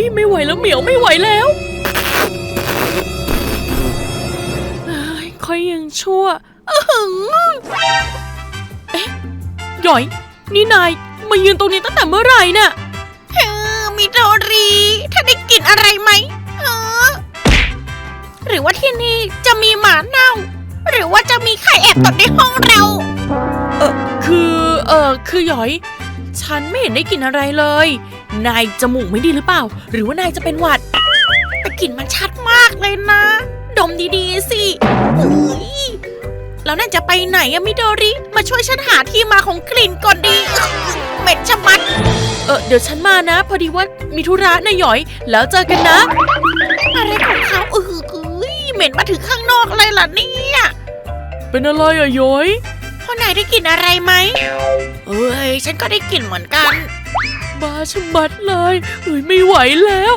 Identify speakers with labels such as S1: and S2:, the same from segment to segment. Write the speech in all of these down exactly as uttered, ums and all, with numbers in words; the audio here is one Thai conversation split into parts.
S1: ไม่ไหวแล้วเหมียวไม่ไหวแล้วค่อยยังชั่วเอ๊ะหยอยนี่นายมายืนตรงนี้ตั้งแต่เมื่อไหร่น่ะ
S2: เออมิโดริถ้าได้กลิ่นอะไรไหมเออหรือว่าที่นี่จะมีหมาเน่าหรือว่าจะมีใครแอบตดในห้องเรา
S1: เออคือเออคือหยอยฉันไม่เห็นได้กลิ่นอะไรเลยนายจมูกไม่ดีหรือเปล่าหรือว่านายจะเป็นหวัด
S2: แต่กลิ่นมันชัดมากเลยนะดมดีๆสิเฮ้ยแล้วนั่นจะไปไหนอะมิโดริมาช่วยฉันหาที่มาของกลิ่นก่อนดีเหม็นชะมัด
S1: เออเดี๋ยวฉันมานะพอดีว่ามีธุระนะหยอยแล้วเจอกันนะ
S2: อะไรของเขาเออเหม็นมาถึงข้างนอกเลยล่ะเนี่ย
S1: เป็นอะไรอะหยอย
S2: พ่อนายได้กลิ่นอะไรไหมเอ้ยฉันก็ได้กลิ่นเหมือนกัน
S1: บ้าชะมัดเลยเอ้ยไม่ไหวแล้ว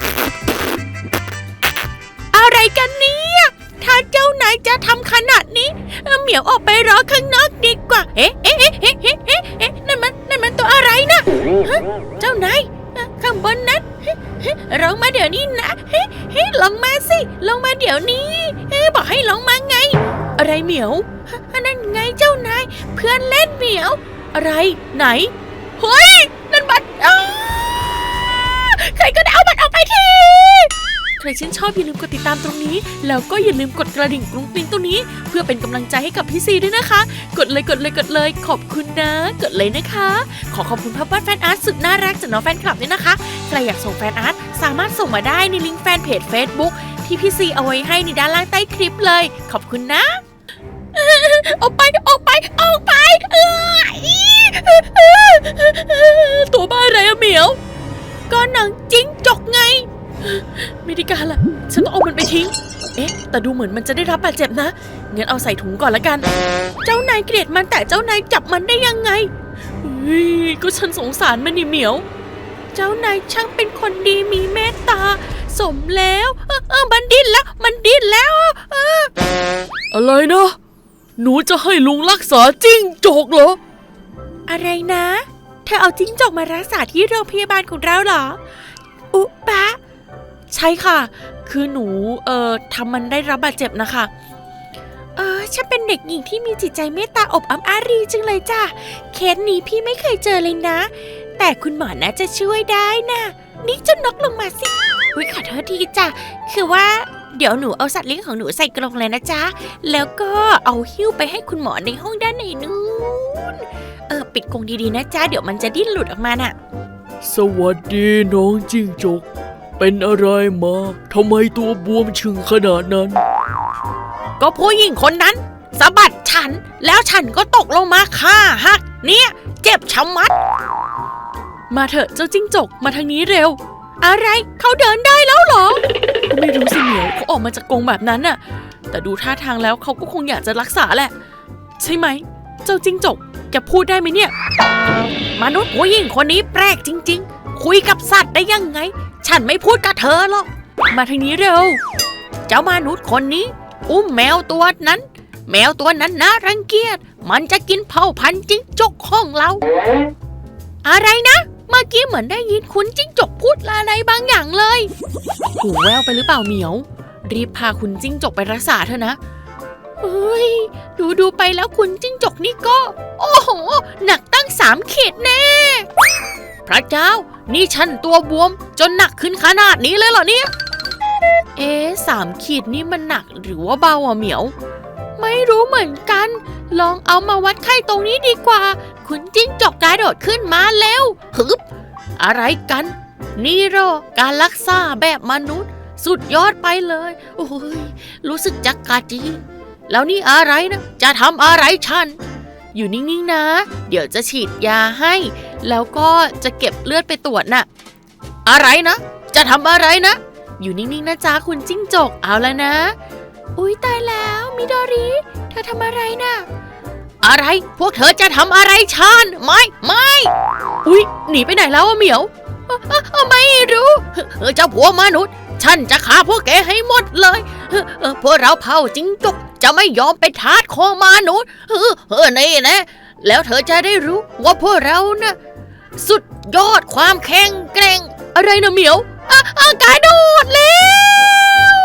S2: อะไรกันเนี่ยถ้าเจ้านายจะทำขนาดนี้เหมียวออกไปรอข้างนอกดีกว่าเอ๊ะเอ๊ะเอ๊ะเอ๊ะเอ๊ะเอ๊ะนั่นมันนั่นมันตัวอะไรนะเจ้านายข้างบนนั้นลงมาเดี๋ยวนี้นะลงมาสิลงมาเดี๋ยวนี้บอกให้ลงมาไง
S1: อะไรเหมียว
S2: นั่นไงเจ้านายเพื่อนเล่นเหมียว
S1: อะไรไหน
S2: เฮ้ยนั่นบัตรใครก็ได้เอาบัตรออกไปที
S1: ใครชื่นชอบอย่าลืมกดติดตามตรงนี้แล้วก็อย่าลืมกดกระดิ่งกรุ้งกริ้งตรงนี้เพื่อเป็นกำลังใจให้กับพี่ซีด้วยนะคะกดเลยกดเลยกดเลยขอบคุณนะกดเลยนะคะขอขอบคุณภาพวาดแฟนอาร์ตสุดน่ารักจากน้องแฟนคลับด้วยนะคะใครอยากส่งแฟนอาร์ตสามารถส่งมาได้ในลิงก์แฟนเพจ Facebook ที่พี่ซีเอาไว้ให้ในด้านล่างใต้คลิปเลยขอบคุณนะ
S2: ออกไปออกไปออกไป
S1: ตัวบ้าอะไรอะเหมียว
S2: ก็หนังจิ้งจกไง
S1: ไม่ได้การละฉันต้องเอามันไปทิ้งเอ๊ะแต่ดูเหมือนมันจะได้รับบาดเจ็บนะงั้นเอาใส่ถุงก่อนละกัน
S2: เจ้านายเกลียดมันแต่เจ้านายจับมันได้ยังไง
S1: เฮ้ยก็ฉันสงสารมันนี่เหมียว
S2: เจ้านายช่างเป็นคนดีมีเมตตาสมแล้วเออเออมันดิ้นแล้วมันดิ้นแล้วเออ
S1: อะไรนะหนูจะให้ลุงรักษาจิ้งจกเหรอ
S2: อะไรนะเธอเอาจิ้งจกมารักษาที่โรงพยาบาลของเราเหรออุปะ
S1: ใช่ค่ะคือหนูเอ่อทำมันได้รับบาดเจ็บนะคะ
S2: เออฉันเป็นเด็กหญิงที่มีจิตใจเมตตาอบอ้ำอารีจังเลยจ้ะเคสนี้พี่ไม่เคยเจอเลยนะแต่คุณหมอน่าจะช่วยได้นะนี่เจ้านกลงมาสิอุ๊ยขอโทษทีจ้ะคือว่าเดี๋ยวหนูเอาสัตว์เลี้ยงของหนูใส่กรงเลยนะจ๊ะแล้วก็เอาหิ้วไปให้คุณหมอในห้องด้านในนู้นเออปิดกรงดีๆนะจ๊ะเดี๋ยวมันจะดิ้นหลุดออกมาน่ะ
S1: สวัสดีน้องจิ้งจกเป็นอะไรมาทำไมตัวบวมชึงขนาดนั้น
S2: ก็ผู้หญิงคนนั้นสะบัดฉันแล้วฉันก็ตกลงมาขาหักเนี่ยเจ็บชะมัด
S1: มาเถอะเจ้าจิ้งจกมาทางนี้เร็ว
S2: อะไรเขาเดินได้แล้วเหรอ
S1: ก็ไม่รู้สิเหมียวเขาออกมาจากกรงแบบนั้นน่ะแต่ดูท่าทางแล้วเขาก็คงอยากจะรักษาแหละใช่ไหมเจ้าจิ้งจกแกพูดได้ไหมเนี่ย
S2: มนุษย์ผู้หญิงคนนี้แปลกจริงๆคุยกับสัตว์ได้ยังไงฉันไม่พูดกับเธอหรอก
S1: มาทางนี้เร็ว
S2: เจ้ามนุษย์คนนี้อุ้มแมวตัวนั้นแมวตัวนั้นน่ารังเกียจมันจะกินเผ่าพันธุ์จิ้งจกของเราอะไรนะเมื่อกี้เหมือนได้ยินคุณจิ้งจกพูดอะไรบางอย่างเลย
S1: หูแว่วไปหรือเปล่าเหมียวรีบพาคุณจิ้งจกไปรักษาเถอะนะ
S2: เฮ้ยดูดูไปแล้วคุณจิ้งจกนี่ก็โอ้โหหนักตั้งสามขีดแน่พระเจ้านี่ฉันตัวบวมจนหนักขึ้นขนาดนี้เลยเหรอเนี่ย
S1: เอ๊ะสามขีดนี่มันหนักหรือว่าเบาอ่ะเหมียว
S2: ไม่รู้เหมือนกันลองเอามาวัดไข้ตรงนี้ดีกว่าคุณจิ้งจกกระโดดขึ้นมาแล้วฮึบอะไรกันนี่หรอการรักษาแบบมนุษย์สุดยอดไปเลยโอ้ยรู้สึกจักกะจีแล้วนี่อะไรนะจะทำอะไรฉัน
S1: อยู่นิ่งๆนะเดี๋ยวจะฉีดยาให้แล้วก็จะเก็บเลือดไปตรวจน่ะ
S2: อะไรนะจะทำอะไรนะ
S1: อยู่นิ่งๆนะจ๊ะคุณจิ้งจกเอาแล้วนะ
S2: อุ๊ยตายแล้วมิโดริเธอทำอะไรน่ะอะไรพวกเธอจะทำอะไรฉันไม่ไม่
S1: อุ๊ยหนีไปไหนแล้วอะเหมียว
S2: ไม่รู้เจ้าผัวมนุษย์ฉันจะฆ่าพวกแกให้หมดเลยพวกเราเผ่าจิ้งจกจะไม่ยอมไปทาสของมนุษย์เออนี่นะแล้วเธอจะได้รู้ว่าพวกเรานะสุดยอดความแข็งแกร่ง
S1: อะไรนะเหมียวกายโดดแล้ว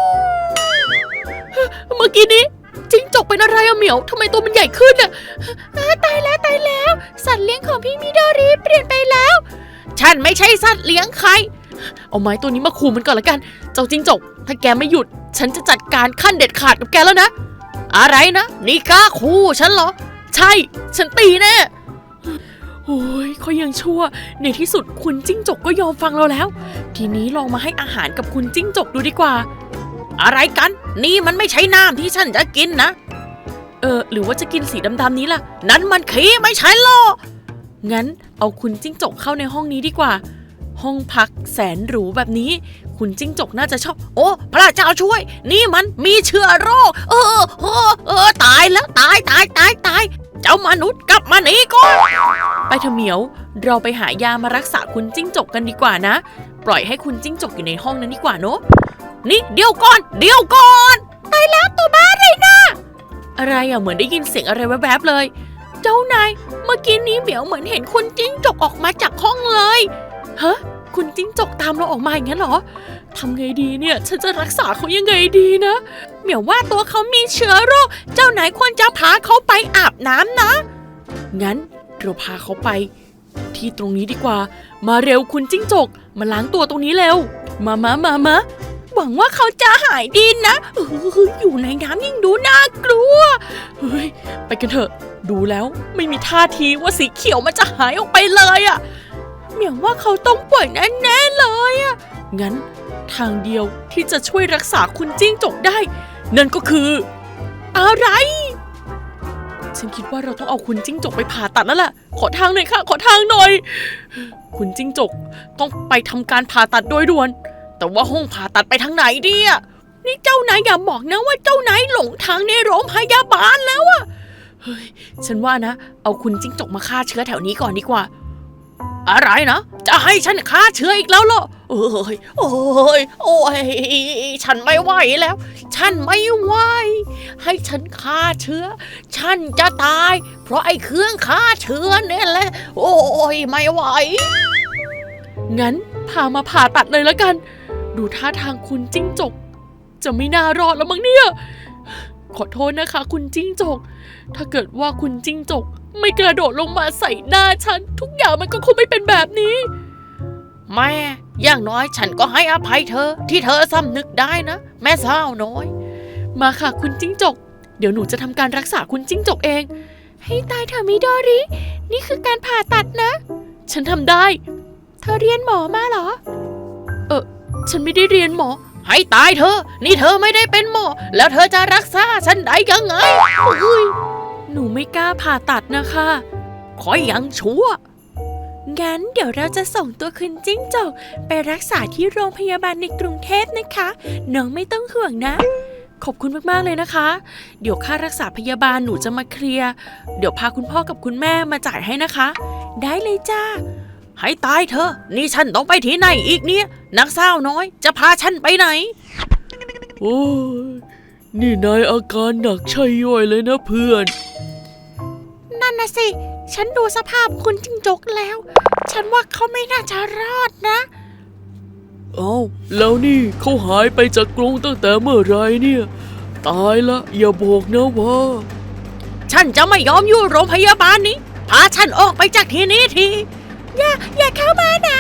S1: เมื่อกี้นี้จิ้งจกเป็นอะไรอะเหมียวทำไมตัวมันใหญ่ขึ้นอะตายแล้วตายแล้วสัตว์เลี้ยงของพี่มิโดริเปลี่ยนไปแล้วฉันไม่ใช่สัตว์เลี้ยงใครเอาไม้ตัวนี้มาขู่มันก่อนละกันเจ้าจิ้งจกถ้าแกไม่หยุดฉันจะจัดการขั้นเด็ดขาดกับแกแล้วนะอะไรนะนี่กล้าขู่ฉันเหรอใช่ฉันตีแน่โอ้ยเขายังชั่วในที่สุดคุณจิ้งจกก็ยอมฟังเราแล้วทีนี้ลองมาให้อาหารกับคุณจิ้งจกดูดีกว่าอะไรกันนี่มันไม่ใช่น้ำที่ฉันจะกินนะเออหรือว่าจะกินสีดำๆนี้ล่ะนั้นมันขี้ไม่ใช่หรองั้นเอาคุณจิ้งจกเข้าในห้องนี้ดีกว่าห้องพักแสนหรูแบบนี้คุณจิ้งจกน่าจะชอบโอ้พระเจ้าช่วยนี่มันมีเชื้อโรคเออเออเออตายแล้วตายตายตายตายเจ้ามนุษย์กลับมาหนีก่อนไปเถอะเหมียวเราไปหายามารักษาคุณจิ้งจกกันดีกว่านะปล่อยให้คุณจิ้งจกอยู่ในห้องนั้นดีกว่าเนอะนี่เดี๋ยวก่อนเดี๋ยวก่อนตายแล้วตัวบ้าเลยนะอะไรอ่ะเหมือนได้ยินเสียงอะไรแวบๆเลยเจ้านายเมื่อกี้นี้เหมียวเหมือนเห็นคุณจิ้งจกออกมาจากห้องเลยฮะคุณจิ้งจกตามเราออกมาอย่างนั้นเหรอทำไงดีเนี่ยฉันจะรักษาเขายังไงดีนะเหมียวว่าตัวเขามีเชื้อโรคเจ้านายควรจะพาเขาไปอาบน้ำนะงั้นเราพาเขาไปที่ตรงนี้ดีกว่ามาเร็วคุณจิ้งจกมาล้างตัวตรงนี้เร็วมามามามาหวังว่าเขาจะหายดีนะเอออยู่ในน้ำยิ่งดูน่ากลัวเฮ้ยไปกันเถอะดูแล้วไม่มีท่าทีว่าสีเขียวมันจะหายออกไปเลยอะเหมียวว่าเขาต้องป่วยแน่ๆเลยอะงั้นทางเดียวที่จะช่วยรักษาคุณจิ้งจกได้นั่นก็คืออะไรฉันคิดว่าเราต้องเอาคุณจิ้งจกไปผ่าตัดแล้วล่ะขอทางหน่อยค่ะขอทางหน่อยคุณจิ้งจกต้องไปทำการผ่าตัดโดยด่วนแต่ว่าห้องผ่าตัดไปทางไหนดีอะนี่เจ้านายอย่าบอกนะว่าเจ้านายหลงทางในโรงพยาบาลแล้วอะเฮ้ยฉันว่านะเอาคุณจิ้งจกมาฆ่าเชื้อแถวนี้ก่อนดีกว่าอะไรนะจะให้ฉันฆ่าเชื้ออีกแล้วเหรอโอ้ยโอ้ยโอ้ยฉันไม่ไหวแล้วฉันไม่ไหวให้ฉันฆ่าเชื้อฉันจะตายเพราะไอ้เครื่องฆ่าเชื้อเนี่ยแหละโอ้ยไม่ไหวงั้นพามาผ่าตัดเลยแล้วกันดูท่าทางคุณจิ้งจกจะไม่น่ารอดแล้วมั้งเนี่ยขอโทษนะคะคุณจิ้งจกถ้าเกิดว่าคุณจิ้งจกไม่กระโดดลงมาใส่หน้าฉันทุกอย่างมันก็คงไม่เป็นแบบนี้แม่อย่างน้อยฉันก็ให้อภัยเธอที่เธอสำนึกได้นะแม่สาวน้อยมาค่ะคุณจิ้งจกเดี๋ยวหนูจะทำการรักษาคุณจิ้งจกเองให้ตายเถอะมิโดรินี่คือการผ่าตัดนะฉันทำได้เธอเรียนหมอมาเหรอเออฉันไม่ได้เรียนหมอให้ตายเธอนี่เธอไม่ได้เป็นหมอแล้วเธอจะรักษาฉันได้ยังไงหนูไม่กล้าผ่าตัดนะคะขอยังชั่วงั้นเดี๋ยวเราจะส่งตัวคุณจิ้งจกไปรักษาที่โรงพยาบาลในกรุงเทพนะคะน้องไม่ต้องห่วงนะขอบคุณมากๆเลยนะคะเดี๋ยวค่ารักษาพยาบาลหนูจะมาเคลียร์เดี๋ยวพาคุณพ่อกับคุณแม่มาจ่ายให้นะคะได้เลยจ้าให้ตายเธอนี่ฉันต้องไปที่ไหนอีกเนี่ยนักสาวน้อยจะพาฉันไปไหนโอ้ยนี่นายอาการหนักใช่ย่อยเลยนะเพื่อนนั่นน่ะสิฉันดูสภาพคุณจิ้งจกแล้วฉันว่าเขาไม่น่าจะรอดนะเอ้าแล้วนี่เขาหายไปจากกรงตั้งแต่เมื่อไรเนี่ยตายละอย่าบอกนะว่าฉันจะไม่ยอมอยู่โรงพยาบาลนี้พาฉันออกไปจากที่นี้ทีอย่าอย่าเข้ามานะ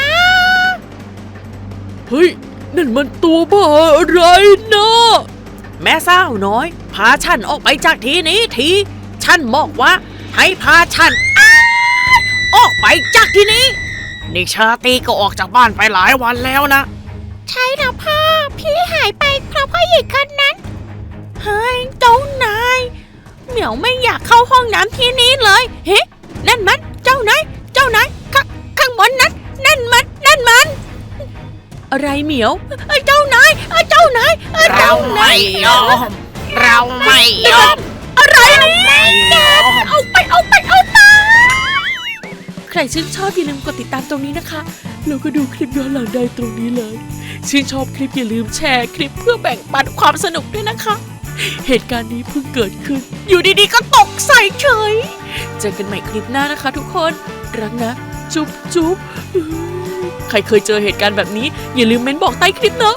S1: เฮ้ยนั่นมันตัวบ้าอะไรนะแม่สาวน้อยพาฉันออกไปจากที่นี้ทีฉันบอกว่าให้พาฉันออกไปจากที่นี้นี่ชาตีก็ออกจากบ้านไปหลายวันแล้วนะใช่แล้วพ่อพี่หายไปเพราะพ่อหญิงคนนั้นเฮ้ยเจ้านายเหมียวไม่อยากเข้าห้องน้ำที่นี้เลยเฮ้นั่นมันเจ้านายเจ้านายข้าข้างบนนั้นนั่นมันนั่นมันอะไรเหมียวเจ้านายเจ้านายเราไม่ยอมเราไม่ยอมอะไรเนี่ยเอาไปเอาไปเอาไปใครชื่นชอบอย่าลืมกดติดตามตรงนี้นะคะแล้วก็ดูคลิปย้อนหลังได้ตรงนี้เลยชื่นชอบคลิปอย่าลืมแชร์คลิปเพื่อแบ่งปันความสนุกด้วยนะคะเหตุการณ์นี้เพิ่งเกิดขึ้นอยู่ดีๆก็ตกใส่เฉยเจอกันใหม่คลิปหน้านะคะทุกคนรักนะจุ๊บจุ๊บใครเคยเจอเหตุการณ์แบบนี้อย่าลืมเม้นบอกใต้คลิปเนอะ